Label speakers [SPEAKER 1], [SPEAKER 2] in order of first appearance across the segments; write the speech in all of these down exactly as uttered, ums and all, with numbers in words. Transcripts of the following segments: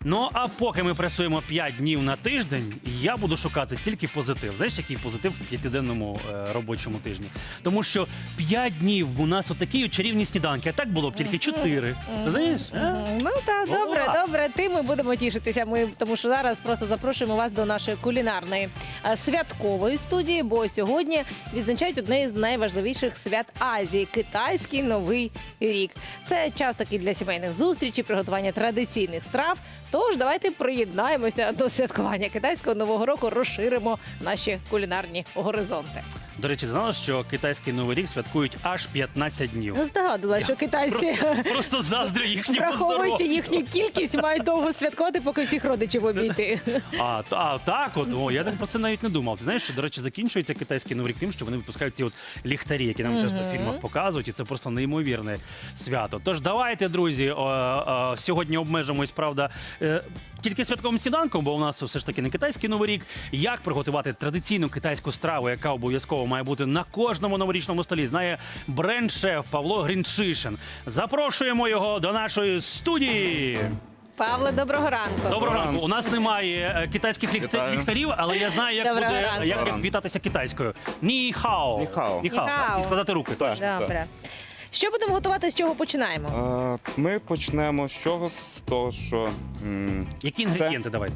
[SPEAKER 1] Ну, а поки ми працюємо п'ять днів на тиждень, я буду шукати тільки позитив. Знаєш, який позитив в п'ятиденному е, робочому тижні? Тому що п'ять днів у нас отакі от чарівні сніданки, а так було б тільки чотири. Знаєш? а?
[SPEAKER 2] Ну так, добре,
[SPEAKER 1] О!
[SPEAKER 2] добре. Тим ми будемо тішитися. Ми тому що зараз просто запрошуємо вас до нашої кулінарної е, святкової студії, бо сьогодні відзначають одне із найважливіших свят Азії китайський новий рік. Це час такий для сімейних зустрічей, приготування традиційних страв. Тож давайте приєднаємося до святкування китайського нового року, розширимо наші кулінарні горизонти.
[SPEAKER 1] До речі, знала, що китайський новий рік святкують аж п'ятнадцять днів.
[SPEAKER 2] Я здогадувала, що китайці,
[SPEAKER 1] Просто, просто заздрю їхньому
[SPEAKER 2] враховуючи
[SPEAKER 1] здоров'ю.
[SPEAKER 2] їхню кількість, мають довго святкувати, поки всіх родичів обійти.
[SPEAKER 1] А, та- а так от, о, я так про це навіть не думав. Ти знаєш, що, до речі, закінчується китайський новий рік тим, що вони випускають ці от ліхтарі, які нам часто в фільмах показують, і це просто неймовірне свято. Тож давайте, друзі, о, о, сьогодні обмежимось, правда, е, тільки святковим сніданком, бо у нас все ж таки не китайський новий рік. Як приготувати традиційну китайську страву, яка обов'язково має бути на кожному новорічному столі, знає бренд-шеф Павло Гринчишин. Запрошуємо його до нашої студії.
[SPEAKER 2] Павло, доброго ранку.
[SPEAKER 1] Доброго ранку. У нас немає е, китайських ліхта-
[SPEAKER 3] Вітаю.
[SPEAKER 1] ліхтарів, але я знаю, як
[SPEAKER 2] Доброго
[SPEAKER 1] буде
[SPEAKER 2] ранку.
[SPEAKER 1] як
[SPEAKER 3] Доброго
[SPEAKER 1] вітатися китайською. Ні хао.
[SPEAKER 3] Ні хао.
[SPEAKER 1] Ні хао.
[SPEAKER 2] Ні хао.
[SPEAKER 1] І складати руки.
[SPEAKER 3] Так.
[SPEAKER 2] Добре. Що будемо готувати, з чого починаємо?
[SPEAKER 3] Е, Ми почнемо з чого? З того, що, м,
[SPEAKER 1] Які інгредієнти давайте?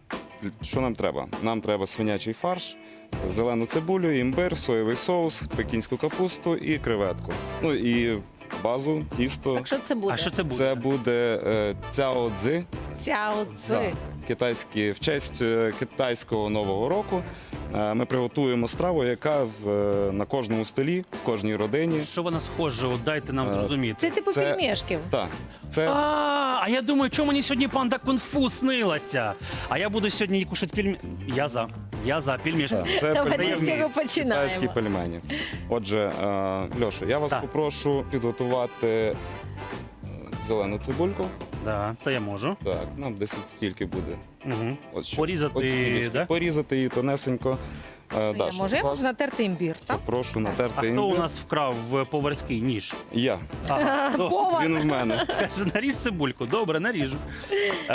[SPEAKER 3] що нам треба? Нам треба свинячий фарш, зелену цибулю, імбир, соєвий соус, пекінську капусту і креветку. Ну і базу, тісто.
[SPEAKER 2] Так що це буде?
[SPEAKER 1] А що це буде?
[SPEAKER 3] Це буде е, цяо цзи,
[SPEAKER 2] Сяо цзи.
[SPEAKER 3] китайські, в честь е, китайського Нового року. Е, Ми приготуємо страву, яка в, е, на кожному столі, в кожній родині.
[SPEAKER 1] Що вона схоже? От дайте нам
[SPEAKER 3] Е,
[SPEAKER 1] зрозуміти.
[SPEAKER 2] Це типу
[SPEAKER 3] Це-
[SPEAKER 2] пельмешків.
[SPEAKER 3] Так, це
[SPEAKER 1] А, а я думаю, чому мені сьогодні панда кунг-фу снилася? А я буду сьогодні кушати пельмені. Я за. Я за пельмешки.
[SPEAKER 3] Так, це
[SPEAKER 2] Давайте
[SPEAKER 3] пельмені,
[SPEAKER 2] з чого
[SPEAKER 3] китайські
[SPEAKER 2] починаємо.
[SPEAKER 3] пельмені. Отже, е, Льоша, я вас
[SPEAKER 1] Так.
[SPEAKER 3] попрошу підготувати е, зелену цибульку.
[SPEAKER 1] Да, це я можу.
[SPEAKER 3] Так, нам десь от стільки буде.
[SPEAKER 1] Угу.
[SPEAKER 3] От ще.
[SPEAKER 1] Порізати,
[SPEAKER 3] От стільки.
[SPEAKER 1] да?
[SPEAKER 3] Порізати її тонесенько. Е,
[SPEAKER 2] Я
[SPEAKER 3] Даша,
[SPEAKER 2] можу, я
[SPEAKER 3] вас
[SPEAKER 2] можу натерти імбір, так?
[SPEAKER 3] Прошу натерти
[SPEAKER 1] А хто
[SPEAKER 3] імбир.
[SPEAKER 1] у нас вкрав в поварський ніж?
[SPEAKER 3] Я.
[SPEAKER 1] Ага, добре.
[SPEAKER 2] Повар.
[SPEAKER 3] Він в мене.
[SPEAKER 1] Каже, наріж цибульку. Добре, наріжу. Е,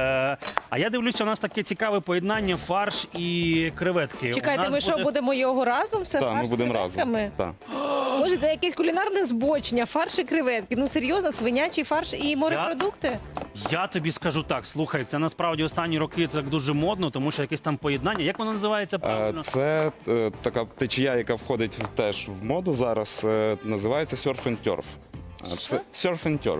[SPEAKER 1] а я дивлюся, у нас таке цікаве поєднання фарш і креветки. У
[SPEAKER 2] Чекайте,
[SPEAKER 1] нас
[SPEAKER 2] ми що,
[SPEAKER 1] буде-
[SPEAKER 2] будемо його разом? Все
[SPEAKER 3] Так, ми
[SPEAKER 2] фарш з
[SPEAKER 3] будемо разом.
[SPEAKER 2] креветками?
[SPEAKER 3] Так.
[SPEAKER 2] Може, це якесь кулінарне збочення, фарш і креветки. Ну серйозно, свинячий фарш і морепродукти?
[SPEAKER 1] Я тобі скажу так, слухай, це насправді останні роки так дуже модно, тому що якесь там поєднання. Як воно називається
[SPEAKER 3] Е,
[SPEAKER 1] правильно?
[SPEAKER 3] Це е, така течія, яка входить теж в моду зараз. е, Називається surf and turf. Е, Це surf and turf.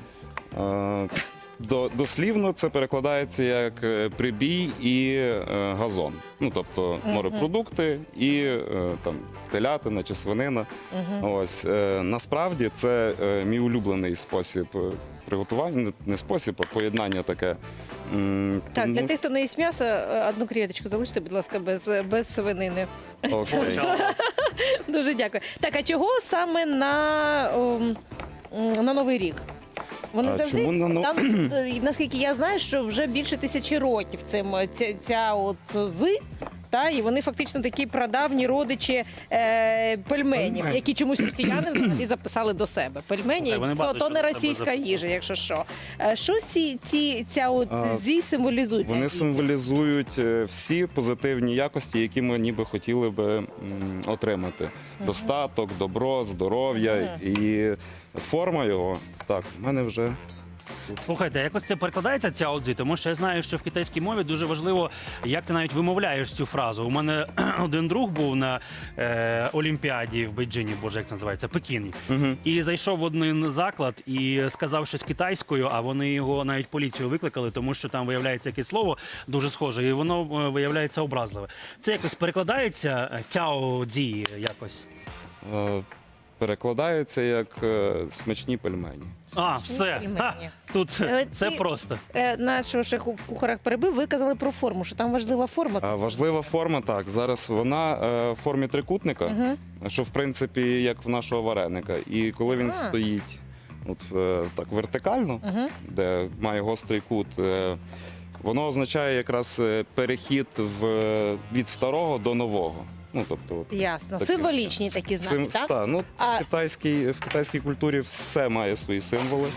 [SPEAKER 3] Е, До, дослівно це перекладається як е, прибій і е, газон. Ну, тобто морепродукти і е, там телятина чи свинина. Ось е, насправді це е, мій улюблений спосіб е, приготування, не- не спосіб, а поєднання таке. М,
[SPEAKER 2] Так, для
[SPEAKER 3] тому-
[SPEAKER 2] тих, хто не їсть м'ясо, е, одну креветочку залиште, будь ласка, без, без свинини.
[SPEAKER 3] Окей.
[SPEAKER 2] Дуже дякую. Так, а чого саме на, ом, м, на Новий рік? Вони
[SPEAKER 3] А
[SPEAKER 2] завжди
[SPEAKER 3] чому на но-
[SPEAKER 2] там, е, наскільки я знаю, що вже більше тисячі років цим е, ця, ця от зи. Та, і вони фактично такі прадавні родичі е, пельменів, які чомусь росіяни взагалі записали до себе. Пельмені
[SPEAKER 1] Так, вони
[SPEAKER 2] то,
[SPEAKER 1] багато
[SPEAKER 2] то
[SPEAKER 1] що
[SPEAKER 2] не
[SPEAKER 1] до себе
[SPEAKER 2] російська
[SPEAKER 1] записали.
[SPEAKER 2] їжа, якщо що. Е, Що ці, ці, ця от
[SPEAKER 3] А,
[SPEAKER 2] зі символізують?
[SPEAKER 3] Вони
[SPEAKER 2] для азійців?
[SPEAKER 3] символізують е, всі позитивні якості, які ми ніби хотіли би м, отримати. Достаток, добро, здоров'я і форма його. Так, в мене вже
[SPEAKER 1] Слухайте, якось це перекладається ця одзі, тому що я знаю, що в китайській мові дуже важливо, як ти навіть вимовляєш цю фразу. У мене один друг був на е, Олімпіаді в Бейджині, боже, як це називається, Пекіні. І зайшов в один заклад і сказав щось китайською, а вони його навіть поліцію викликали, тому що там виявляється якесь слово дуже схоже, і воно е, виявляється образливе. Це якось перекладається е, цяо дзі якось.
[SPEAKER 3] е, перекладається як е, смачні пельмені.
[SPEAKER 1] А, все.
[SPEAKER 2] пельмені.
[SPEAKER 1] Ха, тут
[SPEAKER 2] Але
[SPEAKER 1] це
[SPEAKER 2] ці-
[SPEAKER 1] просто.
[SPEAKER 2] Е, Нашого шеф у кухарах перебив, ви казали про форму, що там важлива форма.
[SPEAKER 3] А важлива форма, так. Зараз вона е, в формі трикутника, що в принципі як в нашого вареника. І коли він
[SPEAKER 2] А.
[SPEAKER 3] стоїть от, е, так вертикально, де має гострий кут, е, воно означає якраз е, перехід в, від старого до нового. Ну, тобто, от,
[SPEAKER 2] Ясно.
[SPEAKER 3] таким
[SPEAKER 2] Символічні
[SPEAKER 3] чином.
[SPEAKER 2] такі знаки,
[SPEAKER 3] Сим-
[SPEAKER 2] так?
[SPEAKER 3] та, ну,
[SPEAKER 2] А-
[SPEAKER 3] в, китайській, в китайській культурі все має свої символи.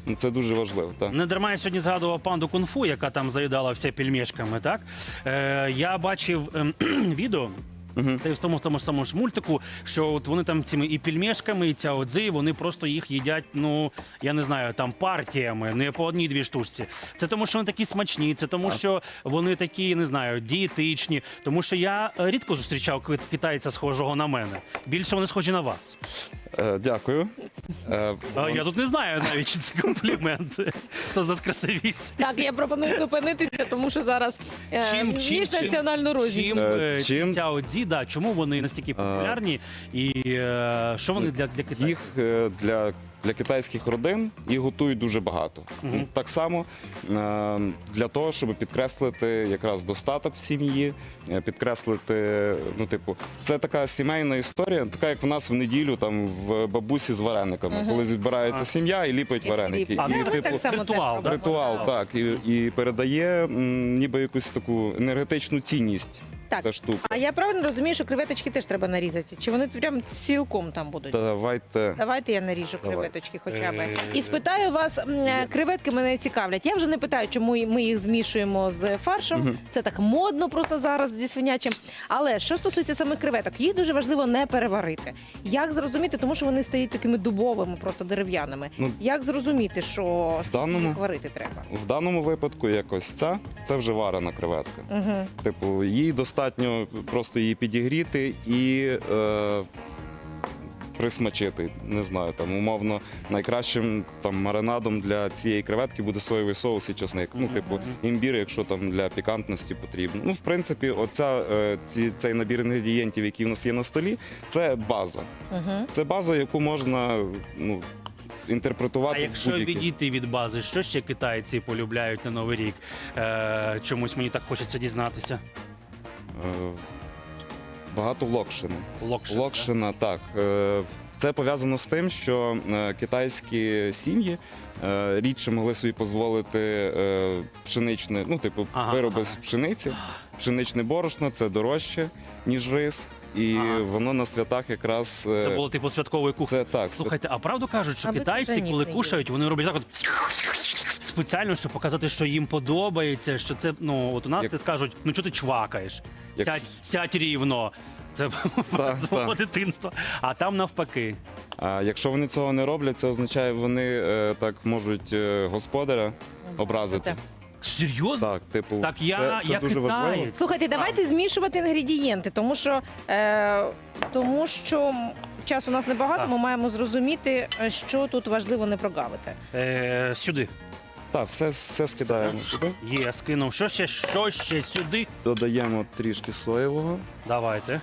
[SPEAKER 3] Ну, це дуже важливо. Так.
[SPEAKER 1] Не дарма я сьогодні згадував панду кунг-фу, яка там заїдала все пельмешками, так? Е, я бачив ем, відео. Та й в тому, в тому ж самому ж мультику, що от вони там цими і пельмешками, і цяодзи, вони просто їх їдять, ну, я не знаю, там партіями, не по одній-дві штучці. Це тому, що вони такі смачні, це тому, що вони такі, не знаю, дієтичні. Тому що я е, рідко зустрічав кит- китайця, схожого на мене. Більше вони схожі на вас.
[SPEAKER 3] Е, дякую. Е,
[SPEAKER 1] А я тут не знаю навіть, чи це комплімент. Хто з нас красивіший.
[SPEAKER 2] Так, я пропоную зупинитися, тому що зараз е,
[SPEAKER 1] Чим- чим-
[SPEAKER 2] міжнаціональну розміру.
[SPEAKER 1] Чим,
[SPEAKER 3] Е,
[SPEAKER 1] е,
[SPEAKER 3] чим?
[SPEAKER 1] ці цяодзі, да, чому вони настільки популярні і е, що вони для, для Китаю?
[SPEAKER 3] Їх е, для, для китайських родин їх готують дуже багато. Ну, так само е, для того, щоб підкреслити якраз достаток в сім'ї, е, підкреслити, ну, типу, це така сімейна історія, така як в нас в неділю там в бабусі з варениками, коли збирається сім'я і ліпить
[SPEAKER 2] І
[SPEAKER 3] вареники.
[SPEAKER 2] сліп.
[SPEAKER 1] А,
[SPEAKER 3] І,
[SPEAKER 1] ну,
[SPEAKER 2] Ми
[SPEAKER 3] типу,
[SPEAKER 2] так само теж
[SPEAKER 1] ритуал,
[SPEAKER 2] робимо.
[SPEAKER 1] да?
[SPEAKER 3] ритуал, так, і, і передає м, ніби якусь таку енергетичну цінність.
[SPEAKER 2] Так.
[SPEAKER 3] Ця штука.
[SPEAKER 2] А я правильно розумію, що креветочки теж треба нарізати? Чи вони прям цілком там будуть?
[SPEAKER 3] Давайте.
[SPEAKER 2] Давайте я наріжу
[SPEAKER 3] Давай.
[SPEAKER 2] креветочки хоча б.
[SPEAKER 1] Е,
[SPEAKER 2] І спитаю вас, м, е, креветки мене цікавлять. Я вже не питаю, чому ми їх змішуємо з фаршем. Це так модно просто зараз зі свинячим. Але що стосується самих креветок, їх дуже важливо не переварити. Як зрозуміти, тому що вони стають такими дубовими, просто дерев'яними.
[SPEAKER 3] Ну,
[SPEAKER 2] Як зрозуміти, що
[SPEAKER 3] даному-
[SPEAKER 2] їх варити треба?
[SPEAKER 3] В даному випадку якось ця, це вже варена креветка.
[SPEAKER 2] Угу.
[SPEAKER 3] Типу, їй достатньо просто її підігріти і е, присмачити. Не знаю, там умовно найкращим там маринадом для цієї креветки буде соєвий соус і чесник. Ну, типу, імбір, якщо там для пікантності потрібно. Ну, в принципі, оця, е, ці, цей набір інгредієнтів, який в нас є на столі, це база.
[SPEAKER 2] Угу.
[SPEAKER 3] Це база, яку можна, ну, інтерпретувати
[SPEAKER 1] А
[SPEAKER 3] в
[SPEAKER 1] якщо
[SPEAKER 3] будь-який.
[SPEAKER 1] відійти від бази, що ще китайці полюбляють на Новий рік? Е, чомусь мені так хочеться дізнатися.
[SPEAKER 3] Е, Багато локшини.
[SPEAKER 1] Локшин.
[SPEAKER 3] Локшина, так. Е, Це пов'язано з тим, що е, китайські сім'ї е, рідше могли собі дозволити е, пшеничне, ну, типу,
[SPEAKER 1] Ага,
[SPEAKER 3] вироби
[SPEAKER 1] ага.
[SPEAKER 3] з пшениці. Пшеничне борошно це дорожче, ніж рис. І
[SPEAKER 1] Ага.
[SPEAKER 3] воно на святах якраз. е,
[SPEAKER 1] Це було типу святкової кухні.
[SPEAKER 3] це так. це-
[SPEAKER 1] Слухайте, а правду кажуть, що
[SPEAKER 2] Аби
[SPEAKER 1] китайці,
[SPEAKER 2] пшеніць
[SPEAKER 1] коли
[SPEAKER 2] не
[SPEAKER 1] кушають, вони роблять так от спеціально, щоб показати, що їм подобається, що це, ну, от у нас
[SPEAKER 3] Як-
[SPEAKER 1] ти скажуть, ну чого ти чвакаєш?
[SPEAKER 3] Як-
[SPEAKER 1] Сядь, сядь рівно. Це
[SPEAKER 3] Так,
[SPEAKER 1] з мого
[SPEAKER 3] так.
[SPEAKER 1] дитинства. А там навпаки.
[SPEAKER 3] А якщо вони цього не роблять, це означає, вони е, так можуть е, господаря образити.
[SPEAKER 1] Серйозно?
[SPEAKER 3] Так, типу,
[SPEAKER 1] Так я,
[SPEAKER 3] це, це
[SPEAKER 1] я
[SPEAKER 3] дуже важливо.
[SPEAKER 1] китаєць.
[SPEAKER 2] Слухайте, давайте змішувати інгредієнти, тому що, е, тому що часу у нас небагато,
[SPEAKER 1] Так.
[SPEAKER 2] ми маємо зрозуміти, е, що тут важливо не прогавити.
[SPEAKER 1] Е, сюди.
[SPEAKER 3] Так, все, все скидаємо сюди.
[SPEAKER 1] Є, скинув. Що ще, що ще сюди?
[SPEAKER 3] Додаємо трішки соєвого.
[SPEAKER 1] Давайте.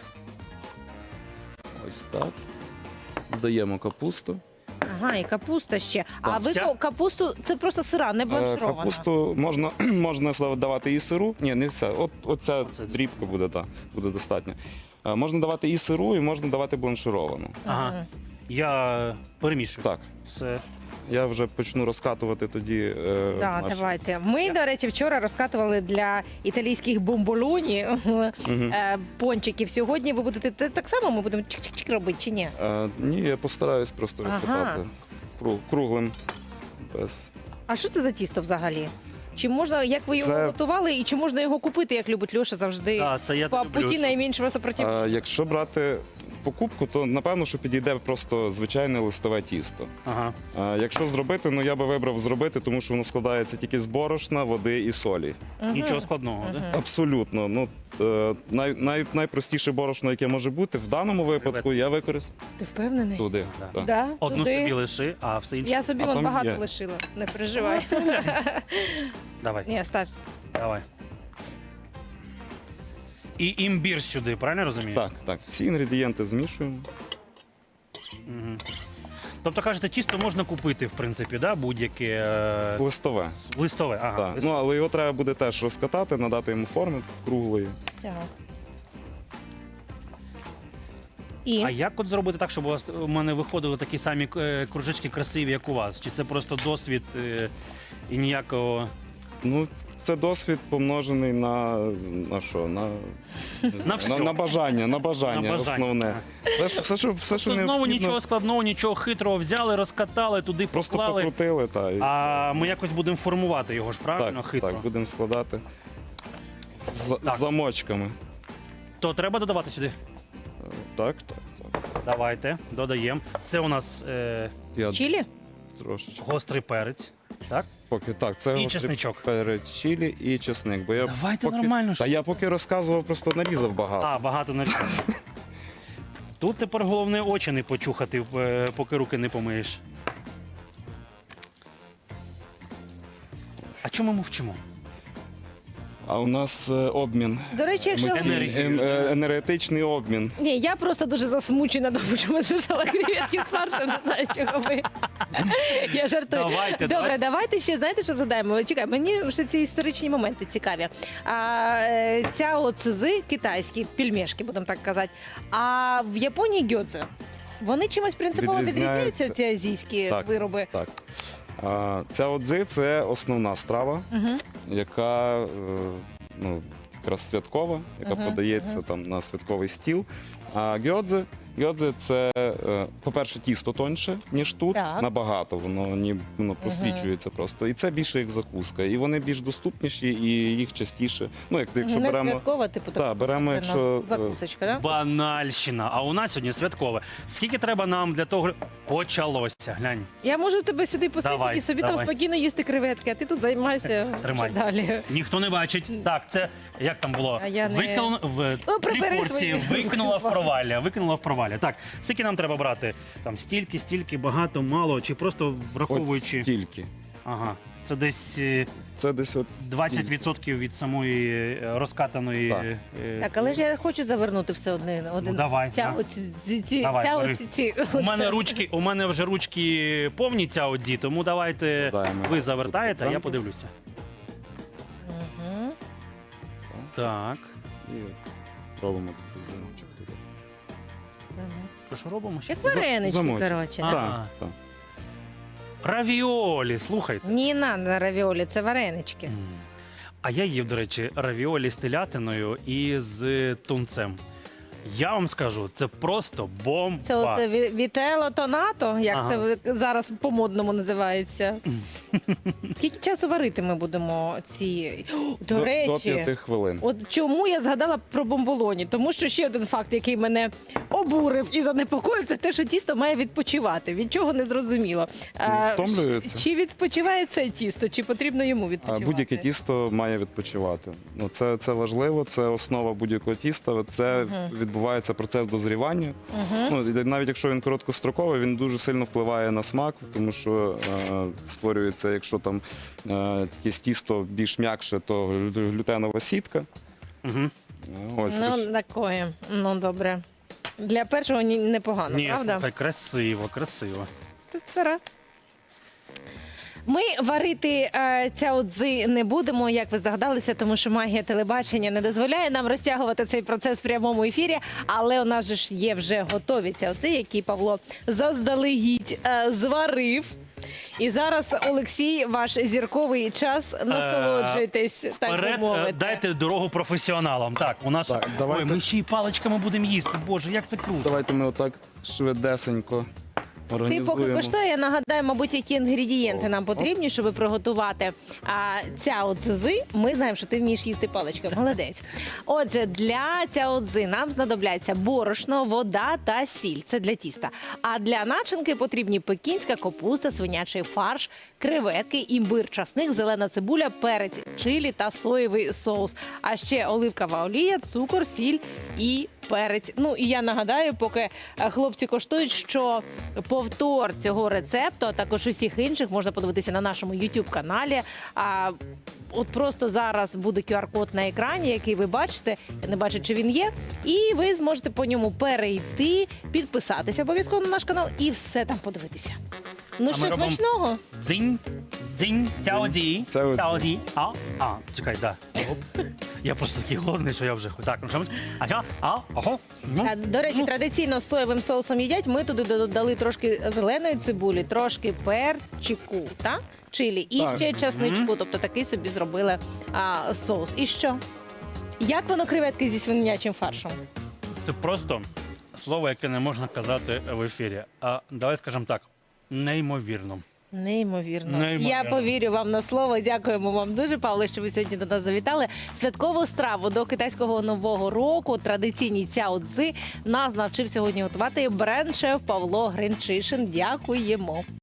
[SPEAKER 3] Ось так. Додаємо капусту.
[SPEAKER 2] Ага, і капуста ще. А
[SPEAKER 1] Так,
[SPEAKER 2] ви
[SPEAKER 1] вся?
[SPEAKER 2] ко- капусту це просто сира, не
[SPEAKER 3] Е,
[SPEAKER 2] бланширована.
[SPEAKER 3] Капусту можна, можна давати і сиру. Ні, не все. От, оця
[SPEAKER 1] Оце
[SPEAKER 3] дрібка буде, так, буде достатньо. Е, Можна давати і сиру, і можна давати бланшировану.
[SPEAKER 1] Ага.
[SPEAKER 2] Мгм.
[SPEAKER 1] Я перемішую.
[SPEAKER 3] Так,
[SPEAKER 1] Все.
[SPEAKER 3] я вже почну розкатувати тоді. Е,
[SPEAKER 2] Да,
[SPEAKER 3] наш-
[SPEAKER 2] давайте. Ми, до речі, вчора розкатували для італійських бомболоні е, пончиків. Сьогодні ви будете те- так само ми будемо чик-чик-чик робити чи ні?
[SPEAKER 3] Е, ні, я постараюсь просто
[SPEAKER 2] Ага.
[SPEAKER 3] розкатати кру- круглим. Без.
[SPEAKER 2] А що це за тісто взагалі? Чи можна, як ви його
[SPEAKER 3] Це-
[SPEAKER 2] готували, і чи можна його купити, як любить Льоша завжди?
[SPEAKER 1] Так, це я
[SPEAKER 2] По
[SPEAKER 1] люблю.
[SPEAKER 2] путі найменшого сопротивлення.
[SPEAKER 3] Е, якщо брати покупку, то напевно, що підійде просто звичайне листове тісто.
[SPEAKER 1] Ага.
[SPEAKER 3] А якщо зробити, ну я би вибрав зробити, тому що воно складається тільки з борошна, води і солі.
[SPEAKER 1] Нічого складного, да?
[SPEAKER 3] Абсолютно. Ну е, най, най, найпростіше борошно, яке може бути, в даному випадку я використаю
[SPEAKER 2] Ти впевнений?
[SPEAKER 3] туди.
[SPEAKER 1] Да.
[SPEAKER 3] так.
[SPEAKER 2] Да,
[SPEAKER 1] Одну
[SPEAKER 2] туди.
[SPEAKER 1] собі лиши, а все інше.
[SPEAKER 2] Я собі
[SPEAKER 3] А
[SPEAKER 2] вон
[SPEAKER 3] там
[SPEAKER 2] багато
[SPEAKER 3] є.
[SPEAKER 2] лишила, не переживай.
[SPEAKER 1] Давай,
[SPEAKER 2] Ні, став.
[SPEAKER 1] давай. І імбір сюди, правильно я розумію?
[SPEAKER 3] Так, так. Всі інгредієнти змішуємо.
[SPEAKER 1] Мгм. Тобто, кажете, тісто можна купити, в принципі, да? будь-яке е,
[SPEAKER 3] Листове.
[SPEAKER 1] листове. Ага.
[SPEAKER 3] Так. Ну, але його треба буде теж розкатати, надати йому форми круглої.
[SPEAKER 2] Так. І
[SPEAKER 1] А як от зробити так, щоб у вас у мене виходили такі самі е, кружечки красиві, як у вас? Чи це просто досвід е, і ніякого.
[SPEAKER 3] Ну, це досвід помножений на, на що? На, не знаю,
[SPEAKER 1] всьо.
[SPEAKER 3] на, на бажання, на бажання,
[SPEAKER 1] На бажання.
[SPEAKER 3] основне. Все, що- все, що, все, що
[SPEAKER 1] То знову
[SPEAKER 3] необхідно,
[SPEAKER 1] нічого складного, нічого хитрого взяли, розкатали, туди
[SPEAKER 3] просто
[SPEAKER 1] поклали.
[SPEAKER 3] покрутили. Та, і
[SPEAKER 1] А ми якось будемо формувати його ж, правильно?
[SPEAKER 3] так,
[SPEAKER 1] Хитро.
[SPEAKER 3] так, будемо складати з,
[SPEAKER 1] Так.
[SPEAKER 3] з замочками.
[SPEAKER 1] То треба додавати сюди.
[SPEAKER 3] Так, так, так.
[SPEAKER 1] Давайте, додаємо. Це у нас е,
[SPEAKER 3] Я
[SPEAKER 2] Чілі?
[SPEAKER 3] трошечки.
[SPEAKER 1] гострий перець. Так?
[SPEAKER 3] Поки так, це
[SPEAKER 1] І
[SPEAKER 3] гострий
[SPEAKER 1] чесничок.
[SPEAKER 3] перець чилі і чесник. Бо я
[SPEAKER 1] Давайте
[SPEAKER 3] поки,
[SPEAKER 1] нормально ж.
[SPEAKER 3] Та я поки розказував, просто нарізав багато.
[SPEAKER 1] А, багато не Тут тепер головне очі не почухати, е, поки руки не помиєш. А чому ми мовчимо?
[SPEAKER 3] А у нас е, обмін.
[SPEAKER 2] До речі, якщо
[SPEAKER 3] Емоційний,
[SPEAKER 1] Енергію.
[SPEAKER 3] ем, е, енергетичний обмін.
[SPEAKER 2] ні, я просто дуже засмучена, тому що ми смішали креветки з фаршем, не знаю, чого ви. Я жартую.
[SPEAKER 1] Давайте,
[SPEAKER 2] Добре,
[SPEAKER 1] давайте.
[SPEAKER 2] давайте ще знаєте, що задаємо? Чекай, мені ще ці історичні моменти цікаві. А, е, ця оцези китайські, пельмешки, будемо так казати. А в Японії гьодзе. Вони чимось принципово
[SPEAKER 3] Відрізняються.
[SPEAKER 2] відрізняються, ці азійські
[SPEAKER 3] Так.
[SPEAKER 2] вироби.
[SPEAKER 3] Так. А, ця одзи це основна страва,
[SPEAKER 2] Угу.
[SPEAKER 3] яка е, ну, якраз святкова, яка
[SPEAKER 2] Мгм,
[SPEAKER 3] подається
[SPEAKER 2] мгм.
[SPEAKER 3] там на святковий стіл. А гьодзе, гьодзе це, е, по-перше, тісто тоньше, ніж тут,
[SPEAKER 2] Так.
[SPEAKER 3] набагато. Воно ні, воно просвічується просто. І це більше як закуска. І вони більш доступніші, і їх частіше. Ну, як якщо
[SPEAKER 2] Не
[SPEAKER 3] беремо.
[SPEAKER 2] святкова, типу,
[SPEAKER 3] Так,
[SPEAKER 2] така
[SPEAKER 3] беремо,
[SPEAKER 2] на
[SPEAKER 3] якщо, е,
[SPEAKER 2] закусочка, да?
[SPEAKER 1] Банальщина. А у нас сьогодні святкове. Скільки треба нам для того? Почалося. Глянь.
[SPEAKER 2] Я можу тебе сюди пустити
[SPEAKER 1] Давай,
[SPEAKER 2] і собі
[SPEAKER 1] давай.
[SPEAKER 2] там спокійно їсти креветки, а ти тут займайся
[SPEAKER 1] Тримай.
[SPEAKER 2] вже далі.
[SPEAKER 1] Ніхто не бачить. Так, це як там було?
[SPEAKER 2] А я не-
[SPEAKER 1] Викинула в
[SPEAKER 2] Ну,
[SPEAKER 1] три
[SPEAKER 2] прибери
[SPEAKER 1] порції,
[SPEAKER 2] свої
[SPEAKER 1] викинула в
[SPEAKER 2] руки.
[SPEAKER 1] провалля. Викинула в провалля. Так, скільки нам треба брати? Там стільки, стільки, багато, мало, чи просто
[SPEAKER 3] От
[SPEAKER 1] враховуючи.
[SPEAKER 3] стільки.
[SPEAKER 1] Ага. Це десь е,
[SPEAKER 3] Це десь от
[SPEAKER 1] двадцять відсотків від самої е, розкатаної.
[SPEAKER 3] Так.
[SPEAKER 1] е,
[SPEAKER 2] Так, але ж я хочу завернути все одне. Один.
[SPEAKER 1] Ну, давай,
[SPEAKER 2] Ця,
[SPEAKER 1] да.
[SPEAKER 2] оці, ці, ці,
[SPEAKER 1] Давай,
[SPEAKER 2] ця,
[SPEAKER 1] бери.
[SPEAKER 2] оці, ці,
[SPEAKER 1] У мене ручки, у мене вже ручки повні ця одзі, тому давайте
[SPEAKER 3] Додаємо
[SPEAKER 1] ви завертаєте, а я
[SPEAKER 3] центр.
[SPEAKER 1] подивлюся.
[SPEAKER 2] Мгм.
[SPEAKER 1] Так.
[SPEAKER 3] І робимо такий замочок.
[SPEAKER 1] Що ж робимо ще?
[SPEAKER 2] Як варенички,
[SPEAKER 3] замочок.
[SPEAKER 2] коротше.
[SPEAKER 1] А.
[SPEAKER 2] да?
[SPEAKER 3] Так, так.
[SPEAKER 1] Равіолі, слухайте.
[SPEAKER 2] Ні, на, на равіолі, це варенички.
[SPEAKER 1] М. А я їв, до речі, равіолі з телятиною і з тунцем. Я вам скажу, це просто бомба.
[SPEAKER 2] Це от е, ві- вітело тонато, як
[SPEAKER 1] Ага.
[SPEAKER 2] це ви- зараз по-модному називається. Скільки часу варити ми будемо ці? О, До,
[SPEAKER 3] До,
[SPEAKER 2] речі,
[SPEAKER 3] до п'яти хвилин.
[SPEAKER 2] от чому я згадала про бомболоні? Тому що ще один факт, який мене обурив і занепокоїв, це те, що тісто має відпочивати. Від чого не зрозуміло. А,
[SPEAKER 3] втомлюється.
[SPEAKER 2] Чи відпочиває це тісто, чи потрібно йому
[SPEAKER 3] А
[SPEAKER 2] відпочивати?
[SPEAKER 3] будь-яке тісто має відпочивати. Ну, це, це важливо, це основа будь-якого тіста. Це відбувається процес дозрівання. Ну, і навіть якщо він короткостроковий, він дуже сильно впливає на смак, тому що е, створюється, якщо там е, якесь тісто більш м'якше, то глю- глютенова сітка.
[SPEAKER 1] Угу.
[SPEAKER 3] Е, Ось,
[SPEAKER 2] Ну,
[SPEAKER 3] роз-
[SPEAKER 2] такое. Ну, добре. Для першого ні- непогано,
[SPEAKER 1] Ні,
[SPEAKER 2] правда?
[SPEAKER 1] слухай, красиво, красиво.
[SPEAKER 2] Та-та-ра. Ми варити е, ця одзи не будемо, як ви здогадалися, тому що магія телебачення не дозволяє нам розтягувати цей процес в прямому ефірі. Але у нас же ж є вже готові ці одзи, які Павло заздалегідь е, зварив. І зараз, Олексій, ваш зірковий час. Насолоджуйтесь, так би
[SPEAKER 1] Вперед, е,
[SPEAKER 2] мовити.
[SPEAKER 1] дайте дорогу професіоналам. Так, у нас.
[SPEAKER 3] Так, давайте.
[SPEAKER 1] Ой, ми ще й паличками будемо їсти. Боже, як це круто.
[SPEAKER 3] Давайте ми отак швидесенько
[SPEAKER 2] Ти
[SPEAKER 3] організуємо.
[SPEAKER 2] поки коштує, я нагадаю, мабуть, які інгредієнти нам потрібні, щоб приготувати а, ця одзи. Ми знаємо, що ти вмієш їсти паличками. Молодець. Отже, для ця одзи нам знадобляться борошно, вода та сіль. Це для тіста. А для начинки потрібні пекінська капуста, свинячий фарш, креветки, імбир, часник, зелена цибуля, перець, чилі та соєвий соус. А ще оливкова олія, цукор, сіль і перець. Ну і я нагадаю, поки е, хлопці коштують, що повтор цього рецепту, а також усіх інших можна подивитися на нашому YouTube каналі. А от просто зараз буде ку ар-код на екрані, який ви бачите. Я не бачу, чи він є. І ви зможете по ньому перейти, підписатися обов'язково на наш канал і все там подивитися. Ну
[SPEAKER 1] А
[SPEAKER 2] що,
[SPEAKER 1] ми робимо-
[SPEAKER 2] смачного?
[SPEAKER 1] Дзинь, дзинь, цяоді,
[SPEAKER 3] Цяоді.
[SPEAKER 1] цяоді. А, а, чекай, да. Оп. Я просто такий голодний, що я вже хочу. Так, ну що ми? А що? А? Ого. Ну.
[SPEAKER 2] А, До речі, традиційно з соєвим соусом їдять. Ми туди додали трошки зеленої цибулі, трошки перчику, та? Чилі і
[SPEAKER 3] Так.
[SPEAKER 2] ще часничку. Тобто такий собі зробили а, соус. І що? Як воно креветки зі свинячим фаршем?
[SPEAKER 1] Це просто слово, яке не можна казати в ефірі. А давай скажемо так, неймовірно.
[SPEAKER 2] Неймовірно.
[SPEAKER 1] Неймовірно.
[SPEAKER 2] Я повірю вам на слово. Дякуємо вам дуже, Павло, що ви сьогодні до нас завітали. Святкову страву до китайського нового року, традиційні цяо-цзи, нас навчив сьогодні готувати бренд-шеф Павло Гринчишин. Дякуємо.